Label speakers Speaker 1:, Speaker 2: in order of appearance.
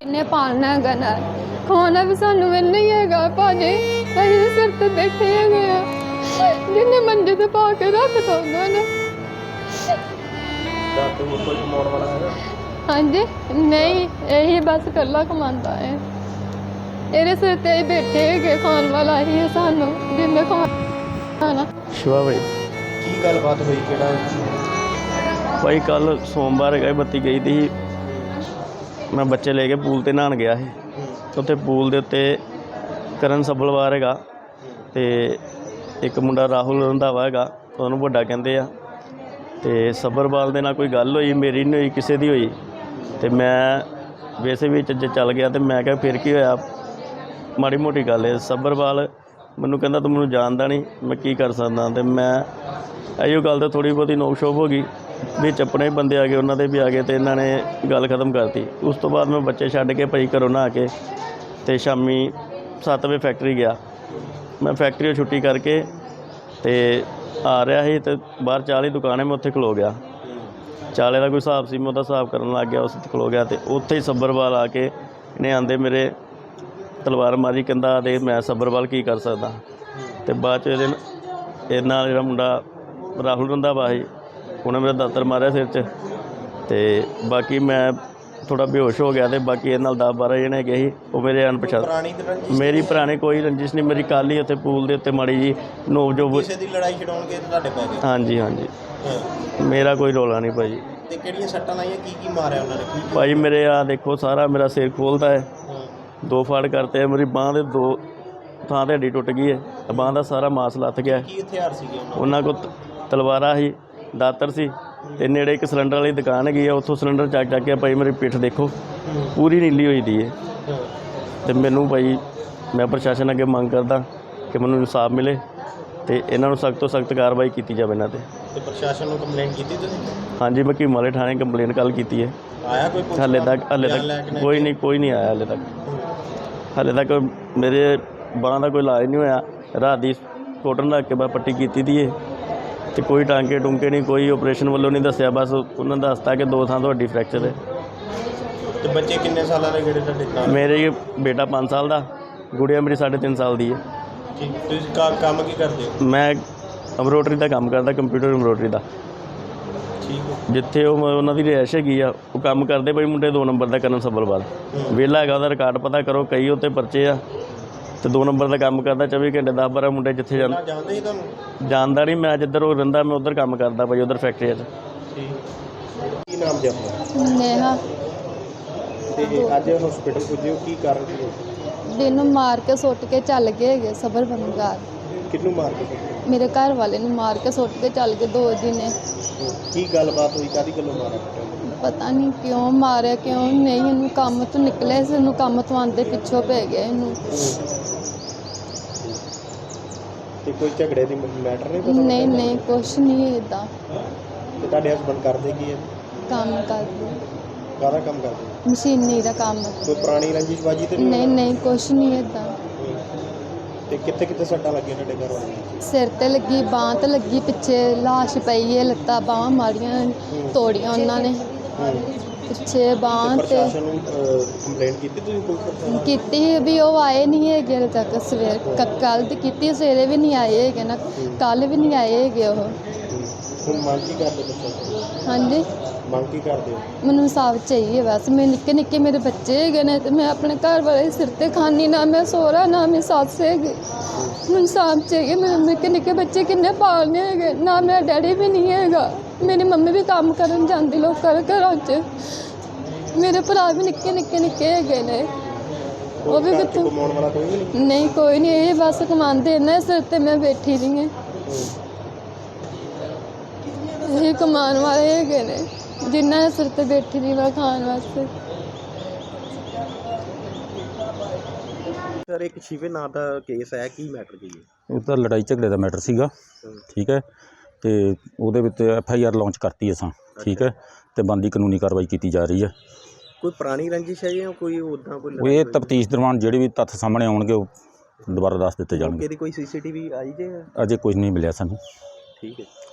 Speaker 1: इन्हें पालना है ना खाना भी सानू मिलना ही है भाजी अं सिर ते बैठे है जिन्हें मंजे ते पा के रख दो उन्होंने हाँ जी नहीं यही बस कला कमाता है ਇਹਦੇ ਸਿਰ ਤੇ ਹੀ ਬੈਠੇ ਹੈਗੇ ਖਾਣ ਵਾਲਾ ਹੀ ਹੈ ਸਾਨੂੰ ਜਿੰਨੇ ਖਾਣਾ
Speaker 2: शिवा भाई
Speaker 3: ਕੀ ਗੱਲਬਾਤ ਹੋਈ ਕਿਹੜਾ
Speaker 2: भाई कल सोमवार है बत्ती गई थी मैं बच्चे लेके पूल ते नहान गया है उत्थे पूल दे उत्ते करण सब्बलवार हैगा ते एक मुंडा राहुल रंधावा हैगा ਉਹਨੂੰ ਵੱਡਾ ਕਹਿੰਦੇ ਆ ਤੇ ਸੱਬਰਵਾਲ ਦੇ ਨਾਲ ਕੋਈ ਗੱਲ ਹੋਈ ਮੇਰੀ ਨਹੀਂ ਹੋਈ ਕਿਸੇ ਦੀ ਹੋਈ ਤੇ ਮੈਂ ਵੈਸੇ ਵੀ ਚੱਲ ਗਿਆ ਤੇ ਮੈਂ ਕਿਹਾ ਫਿਰ ਕੀ ਹੋਇਆ ਮਾੜੀ ਮੋਟੀ ਗੱਲ ਹੈ ਸੱਬਰਵਾਲ ਮੈਨੂੰ ਕਹਿੰਦਾ ਤੂੰ ਮੈਨੂੰ ਜਾਣਦਾ ਨਹੀਂ ਮੈਂ ਕੀ ਕਰ ਸਕਦਾ ਤੇ ਮੈਂ ਇਹੋ ਗੱਲ ਤੇ ਥੋੜੀ ਬਹੁਤੀ ਨੋਕ ਸ਼ੋਕ ਹੋ ਗਈ ਵਿੱਚ ਆਪਣੇ ਬੰਦੇ ਆ ਗਏ ਉਹਨਾਂ ਦੇ ਵੀ ਆ ਗਏ ਤੇ ਇਹਨਾਂ ਨੇ ਗੱਲ ਖਤਮ ਕਰਤੀ ਉਸ ਤੋਂ ਬਾਅਦ ਮੈਂ ਬੱਚੇ ਛੱਡ ਕੇ ਭਾਈ ਘਰੋਂ ਨਹਾ ਕੇ ਤੇ ਸ਼ਾਮੀ 7 ਵਜੇ ਫੈਕਟਰੀ ਗਿਆ ਮੈਂ ਫੈਕਟਰੀ ਛੁੱਟੀ ਕਰਕੇ ਤੇ ਆ ਰਿਹਾ ਸੀ ਤੇ ਬਾਹਰ ਚਾਹ ਦੀ ਦੁਕਾਨ ਹੈ ਮੈਂ ਉੱਥੇ ਖਲੋ ਗਿਆ ਚਾਲੇ ਦਾ ਕੋਈ ਹਿਸਾਬ ਸੀ ਮੈਂ ਉਹਦਾ ਹਿਸਾਬ ਕਰਨ ਲੱਗ ਗਿਆ ਉਸ ਤੇ ਖਲੋ ਗਿਆ ਤੇ ਉੱਥੇ ਹੀ ਸੱਬਰਵਾਲ ਆ ਕੇ ਇਹਨੇ ਆਂਦੇ ਮੇਰੇ ਤਲਵਾਰ ਮਾਰੀ ਕਹਿੰਦਾ ਦੇ ਮੈਂ ਸੱਬਰਵਾਲ ਕੀ ਕਰ ਸਕਦਾ ਤੇ ਬਾਅਦ 'ਚ ਇਹਦੇ ਨਾਲ ਜਿਹੜਾ ਮੁੰਡਾ ਰਾਹੁਲ ਰੰਧਾਵਾ ਸੀ ਉਹਨੇ ਮੇਰਾ ਦਾਤਰ ਮਾਰਿਆ ਸਿਰ 'ਚ ਤੇ ਬਾਕੀ ਮੈਂ ਥੋੜਾ ਬੇਹੋਸ਼ ਹੋ ਗਿਆ ਤੇ ਬਾਕੀ ਇਹਦੇ ਨਾਲ 10-12 ਜਣੇ ਹੈਗੇ ਸੀ ਉਹ ਮੇਰੇ ਅਣਪਛਾਤੇ ਮੇਰੀ ਪੁਰਾਣੀ ਕੋਈ ਰੰਜਿਸ਼ ਨਹੀਂ ਮੇਰੀ ਕੱਲ੍ਹ ਹੀ ਉੱਥੇ ਪੂਲ ਦੇ ਉੱਤੇ ਮਾੜੀ ਜੀ ਨੋਕ ਜੋ
Speaker 3: ਕਿਸੇ ਦੀ ਲੜਾਈ ਛਡਾਉਣ ਕੇ ਤੁਹਾਡੇ ਪੈ ਗਏ
Speaker 2: ਹਾਂਜੀ ਹਾਂਜੀ ਮੇਰਾ ਕੋਈ ਰੌਲਾ ਨਹੀਂ ਭਾਈ
Speaker 3: ਤੇ ਕਿਹੜੀਆਂ ਸੱਟਾਂ ਲਾਈਆਂ ਕੀ ਮਾਰਿਆ ਉਹਨਾਂ ਨੇ
Speaker 2: ਭਾਈ ਮੇਰੇ ਆ ਦੇਖੋ ਸਾਰਾ ਮੇਰਾ ਸਿਰ ਖੋਲਦਾ ਹੈ 2 ਫਾੜ ਕਰਤੇ ਮੇਰੀ ਬਾਂਹ ਦੇ 2 ਥਾਂ ਤੇ ਹੱਡੀ ਟੁੱਟ ਗਈ ਹੈ ਬਾਂਹ ਦਾ ਸਾਰਾ ਮਾਸ ਲੱਥ ਗਿਆ
Speaker 3: ਕੀ ਹਥਿਆਰ ਸੀਗੇ
Speaker 2: ਉਹਨਾਂ ਕੋਲ ਤਲਵਾਰਾਂ ਸੀ ਦਾਤਰ ਸੀ ਤੇ ਨੇੜੇ ਇੱਕ ਸਿਲੰਡਰ ਵਾਲੀ ਦੁਕਾਨ ਹੈਗੀ ਆ ਉੱਥੋਂ ਸਿਲੰਡਰ ਚੱਕ ਕੇ ਭਾਈ ਮੇਰੀ ਪਿੱਠ ਦੇਖੋ ਪੂਰੀ ਨੀਲੀ ਹੋਈ ਦੀ ਹੈ ਤੇ ਮੈਨੂੰ ਭਾਈ ਮੈਂ ਪ੍ਰਸ਼ਾਸਨ ਅੱਗੇ ਮੰਗ ਕਰਦਾ ਕਿ ਮੈਨੂੰ ਇਨਸਾਫ ਮਿਲੇ ਤੇ ਇਹਨਾਂ ਨੂੰ ਸਖਤ ਤੋਂ ਸਖਤ ਕਾਰਵਾਈ ਕੀਤੀ ਜਾਵੇ ਇਹਨਾਂ ਤੇ
Speaker 3: ਪ੍ਰਸ਼ਾਸਨ ਨੂੰ ਕੰਪਲੇਂਟ ਕੀਤੀ ਤੁਸੀਂ
Speaker 2: ਹਾਂਜੀ ਮੈਂ ਕੀਮ ਵਾਲੇ ਥਾਣੇ ਕੰਪਲੇਂਟ ਕੱਲ੍ਹ ਕੀਤੀ ਹੈ
Speaker 3: ਆਇਆ ਕੋਈ
Speaker 2: ਹਾਲੇ ਤੱਕ ਕੋਈ ਨਹੀਂ ਆਇਆ ਹਾਲੇ ਤੱਕ ਮੇਰੇ ਬਾਂਹ ਦਾ ਕੋਈ ਇਲਾਜ ਨਹੀਂ ਹੋਇਆ ਰਾਤ ਦੀ ਕੋਟਨ ਰੱਖ ਕੇ ਮੈਂ ਪੱਟੀ ਕੀਤੀ ਦੀ ਹੈ ਤੇ ਕੋਈ ਟਾਂਕੇ ਟੁੰਕੇ ਨਹੀਂ ਕੋਈ ਆਪਰੇਸ਼ਨ ਵੱਲੋਂ ਨਹੀਂ ਦੱਸਿਆ ਬਸ ਉਹਨਾਂ ਨੇ ਦੱਸਤਾ ਕਿ 2 ਥਾਂ ਤੋਂ ਹੱਡੀ ਫ੍ਰੈਕਚਰ ਹੈ
Speaker 3: ਤੇ ਬੱਚੇ ਕਿੰਨੇ ਸਾਲਾਂ ਦੇ ਜਿਹੜੇ ਤੁਹਾਡੇ ਨਾਲ
Speaker 2: ਮੇਰੇ ਬੇਟਾ 5 ਸਾਲ ਦਾ ਗੁੜੀਆ ਮੇਰੀ 3.5 ਸਾਲ ਦੀ ਹੈ
Speaker 3: ਠੀਕ ਤੁਸੀਂ ਕੰਮ ਕੀ ਕਰਦੇ ਹੋ
Speaker 2: ਮੈਂ ਐਮਬਰੋਡਰੀ ਦਾ ਕੰਮ ਕਰਦਾ ਕੰਪਿਊਟਰ ਐਮਬਰੋਡਰੀ ਦਾ
Speaker 3: ਠੀਕ ਹੈ
Speaker 2: ਜਿੱਥੇ ਉਹਨਾਂ ਦੀ ਰਿਹਾਇਸ਼ ਹੈਗੀ ਆ ਉਹ ਕੰਮ ਕਰਦੇ ਬਈ ਮੁੰਡੇ 2 ਨੰਬਰ ਦਾ ਕਰਨ ਸੱਬਲਵਾਲ ਵਿਹਲਾ ਹੈਗਾ ਉਹਦਾ ਰਿਕਾਰਡ ਪਤਾ ਕਰੋ ਕਈ ਉੱਤੇ ਪਰਚੇ ਆ ਤੇ 2 ਨੰਬਰ ਦਾ ਕੰਮ ਕਰਦਾ 24 ਘੰਟੇ 10-12 ਮੁੰਡੇ ਜਿੱਥੇ
Speaker 3: ਜਾਣਦੇ ਹੀ ਤੁਹਾਨੂੰ
Speaker 2: ਜਾਣਦਾ ਨਹੀਂ ਮੈਂ ਜਿੱਧਰ ਉਹ ਰਹਿੰਦਾ ਮੈਂ ਉੱਧਰ ਕੰਮ ਕਰਦਾ ਭਾਈ ਉੱਧਰ ਫੈਕਟਰੀ 'ਚ
Speaker 3: ਕੀ ਨਾਮ ਜੀ ਆਪਣਾ
Speaker 1: ਨੇਹਾ
Speaker 3: ਤੇ ਅੱਜ ਹਸਪੀਟਲ ਪੁੱਜੇ ਕੀ ਕਾਰਨ ਸੀ
Speaker 1: ਦਿਨ ਮਾਰ ਕੇ ਸੁੱਟ ਕੇ ਚੱਲ ਗਏ ਹੈਗੇ ਸਬਰ ਬੰਗਾਰ
Speaker 3: ਕਿਹਨੂੰ ਮਾਰ ਕੇ
Speaker 1: ਮੇਰੇ ਘਰ ਵਾਲੇ ਨੂੰ ਮਾਰ ਕੇ ਸੁੱਟ ਕੇ ਚੱਲ ਗਏ 2 ਦਿਨ
Speaker 3: ਕੀ ਗੱਲਬਾਤ ਹੋਈ ਕਾਹਦੀ ਗੱਲੋਂ ਮਾਰਿਆ
Speaker 1: ਪਤਾ ਨਹੀਂ ਕਿਉਂ ਮਾਰਿਆ ਕਿਉਂ ਨਹੀਂ ਇਹਨੂੰ ਕੰਮ ਤੋਂ ਨਿਕਲਿਆ ਸੀ ਇਹਨੂੰ ਕੰਮ ਤੋਂ ਆਉਂਦੇ ਪਿੱਛੋਂ ਪੈ ਗਿਆ ਇਹਨੂੰ
Speaker 3: ਤੇ ਕੋਈ ਝਗੜੇ ਦੀ ਮੈਟਰ ਨਹੀਂ ਪਤਾ
Speaker 1: ਨਹੀਂ ਕੁਛ ਨਹੀਂ ਇੱਦਾਂ
Speaker 3: ਤੇ ਤੁਹਾਡੇ ਹਸਬੰਦ ਕਰਦੇ ਕੀ ਹੈ
Speaker 1: ਕੰਮ ਕਰਦੇ
Speaker 3: ਕਾਹਦਾ ਕੰਮ ਕਰਦੇ
Speaker 1: ਮਸ਼ੀਨੀ ਦਾ ਕੰਮ
Speaker 3: ਕੋਈ ਪੁਰਾਣੀ ਰੰਜਿਸ਼ਬਾਜੀ ਤੇ
Speaker 1: ਨਹੀਂ ਕੁਛ ਨਹੀਂ ਇੱਦਾਂ
Speaker 3: ਤੇ ਕਿੱਥੇ ਸੱਟਾਂ ਲੱਗੀਆਂ ਤੁਹਾਡੇ ਘਰ ਵਾਲਿਆਂ ਨੂੰ
Speaker 1: ਸਿਰ ਤੇ ਲੱਗੀ ਬਾਂਹ ਤੇ ਲੱਗੀ ਪਿੱਛੇ ਲਾਸ਼ ਪਈ ਹੈ ਲੱਤਾਂ ਬਾਹਾਂ ਮਾਰੀਆਂ ਤੋੜੀਆਂ ਉਹਨਾਂ ਨੇ ਪਿੱਛੇ ਬਾਂਹ ਤੇ
Speaker 3: ਪ੍ਰਸ਼ਾਸਨ ਨੂੰ ਕੰਪਲੇਂਟ ਕੀਤੀ ਤੁਸੀਂ ਕੋਈ
Speaker 1: ਕੀਤੀ ਵੀ ਉਹ ਆਏ ਨਹੀਂ ਹੈਗੇ ਹਲੇ ਤੱਕ ਸਵੇਰ ਕੱਲ੍ਹ ਦੀ ਕੀਤੀ ਸਵੇਰੇ ਵੀ ਨਹੀਂ ਆਏ ਹੈਗੇ ਨਾ ਕੱਲ੍ਹ ਵੀ ਨਹੀਂ ਆਏ ਹੈਗੇ ਉਹ
Speaker 3: ਹੁਣ ਮੰਗ ਕੀ ਕਰਦੇ ਪ੍ਰਸ਼ਾਸਨ
Speaker 1: ਹਾਂਜੀ
Speaker 3: ਮੰਗ ਕੀ ਕਰਦੇ ਹੋ
Speaker 1: ਮੈਨੂੰ ਇਨਸਾਫ ਚਾਹੀਏ ਬਸ ਮੈਂ ਨਿੱਕੇ ਮੇਰੇ ਬੱਚੇ ਹੈਗੇ ਨੇ ਤੇ ਮੈਂ ਆਪਣੇ ਘਰ ਵਾਲੇ ਸਿਰ ਤੇ ਖਾਨੀ ਨਾ ਮੈਂ ਸਹੁਰਾ ਨਾ ਮੈਂ ਸੱਸ ਹੈਗੀ ਮੈਨੂੰ ਇਨਸਾਫ ਚਾਹੀਏ ਮੇਰੇ ਨਿੱਕੇ ਬੱਚੇ ਕਿੰਨੇ ਪਾਲਨੇ ਹੈਗੇ ਨਾ ਮੇਰਾ ਡੈਡੀ ਵੀ ਨਹੀਂ ਹੈਗਾ ਮੇਰੀ ਮੰਮੀ ਵੀ ਕੰਮ ਕਰਨ ਜਾਂਦੀ ਲੋਕਾਂ ਦੇ ਘਰਾਂ 'ਚ ਮੇਰੇ ਭਰਾ ਵੀ ਨਿੱਕੇ ਹੈਗੇ ਨੇ ਉਹ ਵੀ ਕਿੱਥੋਂ
Speaker 3: ਕਮਾਉਣ ਵਾਲਾ ਕੋਈ ਨਹੀਂ
Speaker 1: ਨਹੀਂ ਕੋਈ ਨਹੀਂ ਇਹ ਬਸ ਕਮਾਉਂਦੇ ਨੇ ਸਿਰ ਤੇ ਮੈਂ ਬੈਠੀ ਰਹੀ ਹਾਂ ਇਹ ਕਮਾਉਣ ਵਾਲੇ ਹੈਗੇ ਨੇ ਜਿਨ੍ਹਾਂ ਨੇ ਸਿਰ ਤੇ ਬੈਠੀ ਰਹੀ ਵਾ ਖਾਣ ਵਾਸਤੇ
Speaker 3: ਸਰ ਇੱਕ ਸ਼ਿਵੇ ਨਾਂ ਦਾ ਕੇਸ ਹੈ ਕੀ ਮੈਟਰ ਕੀ ਹੈ
Speaker 4: ਇਹ ਤਾਂ ਲੜਾਈ ਝਗੜੇ ਦਾ ਮੈਟਰ ਸੀਗਾ ਠੀਕ ਹੈ ਤੇ ਉਹਦੇ ਵਿੱਚ FIR ਲਾਂਚ ਕਰਤੀ ਅਸਾਂ ਠੀਕ ਹੈ ਤੇ ਬਣਦੀ ਕਾਨੂੰਨੀ ਕਾਰਵਾਈ ਕੀਤੀ ਜਾ ਰਹੀ ਹੈ
Speaker 3: ਕੋਈ ਪੁਰਾਣੀ ਰੰਜਿਸ਼ ਹੈ ਜਾਂ ਕੋਈ ਉੱਦਾਂ ਕੋਈ
Speaker 4: ਇਹ ਤਫਤੀਸ਼ ਦੌਰਾਨ ਜਿਹੜੇ ਵੀ ਤੱਥ ਸਾਹਮਣੇ ਆਉਣਗੇ ਉਹ ਦੁਬਾਰਾ ਦੱਸ ਦਿੱਤੇ ਜਾਣਗੇ
Speaker 3: ਇਹਦੀ ਕੋਈ CCTV ਆਈ ਜੇ
Speaker 4: ਅਜੇ ਕੁਝ ਨਹੀਂ ਮਿਲਿਆ ਸਾਨੂੰ
Speaker 3: ਠੀਕ ਹੈ